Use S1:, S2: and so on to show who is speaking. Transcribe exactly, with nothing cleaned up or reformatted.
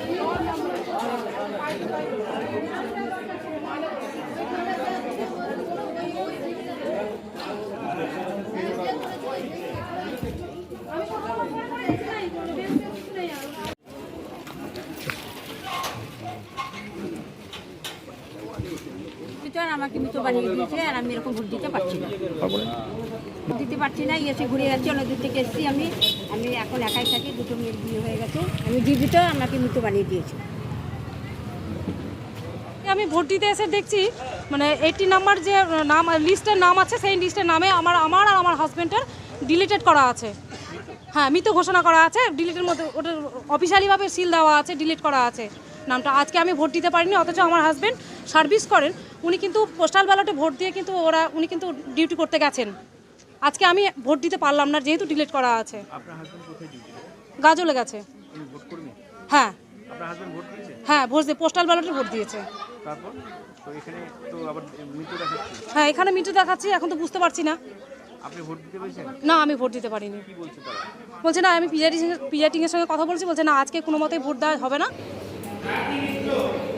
S1: আমাকে মৃত বানিয়ে দিয়েছে আর আমি এরকম ভোট দিতে পারছি না ভোট দিতে পারছি না এসে ঘুরে যাচ্ছি অনেক দূর থেকে এসেছি আমি আমি এখন একাই থাকি দুটো মেয়ের বিয়ে হয়ে গেছে আমি জীবিত আমাকে মৃত বানিয়ে দিয়েছে
S2: আমি ভোট দিতে এসে দেখছি মানে এইটি নাম্বার যে নাম লিস্টের নাম আছে সেই লিস্টের নামে আমার আমার আর আমার হাজব্যান্ডের ডিলিটেড করা আছে হ্যাঁ মৃত ঘোষণা করা আছে ডিলিটের মধ্যে ওটা অফিসিয়ালিভাবে সিল দেওয়া আছে ডিলিট করা আছে নামটা আজকে আমি ভোট দিতে পারিনি অথচ আমার হাজব্যান্ড সার্ভিস করেন উনি কিন্তু পোস্টাল ব্যালটে ভোট দিয়ে কিন্তু ওরা উনি কিন্তু ডিউটি করতে গেছেন আজকে আমি ভোট দিতে পারলাম না যেহেতু ডিলিট করা আছে গাজলে গেছে হ্যাঁ হ্যাঁ ভোট দিয়ে পোস্টাল ব্যালটে ভোট দিয়েছে হ্যাঁ এখানে মৃত্যু দেখাচ্ছি এখন তো বুঝতে পারছি না না আমি ভোট দিতে পারিনি বলছে না আমি পিআইটিং এর সঙ্গে কথা বলছি বলছে না আজকে কোনো মতেই ভোট দেওয়া হবে না